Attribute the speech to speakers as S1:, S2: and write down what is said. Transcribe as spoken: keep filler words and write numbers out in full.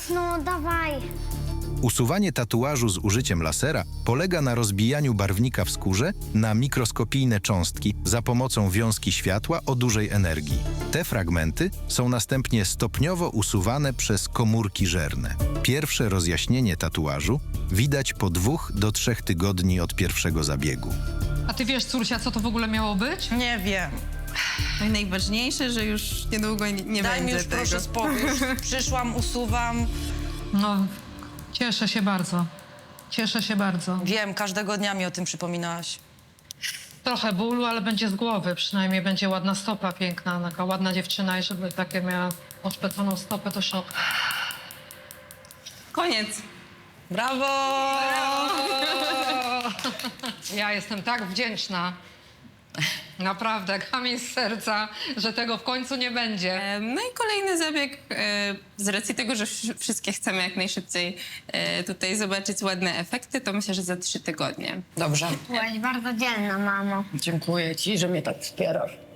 S1: No, dawaj.
S2: Usuwanie tatuażu z użyciem lasera polega na rozbijaniu barwnika w skórze na mikroskopijne cząstki za pomocą wiązki światła o dużej energii. Te fragmenty są następnie stopniowo usuwane przez komórki żerne. Pierwsze rozjaśnienie tatuażu widać po dwóch do trzech tygodni od pierwszego zabiegu.
S3: A ty wiesz, córcia, co to w ogóle miało być?
S4: Nie wiem.
S5: No i najważniejsze, że już niedługo nie, nie
S4: Daj mi
S5: będzie
S4: już
S5: tego.
S4: proszę spokój. Już przyszłam, usuwam.
S3: No, cieszę się bardzo. Cieszę się bardzo.
S4: Wiem, każdego dnia mi o tym przypominałaś.
S3: Trochę bólu, ale będzie z głowy. Przynajmniej będzie ładna stopa piękna, taka ładna dziewczyna i żeby takie miała oszpeconą stopę, to szok.
S5: Koniec.
S4: Brawo!
S3: Ja jestem tak wdzięczna. Naprawdę, kamień z serca, że tego w końcu nie będzie.
S5: E, No i kolejny zabieg, e, z racji tego, że wsz- wszystkie chcemy jak najszybciej e, tutaj zobaczyć ładne efekty, to myślę, że za trzy tygodnie.
S4: Dobrze.
S1: Byłaś bardzo dzielna, mamo.
S4: Dziękuję ci, że mnie tak wspierasz.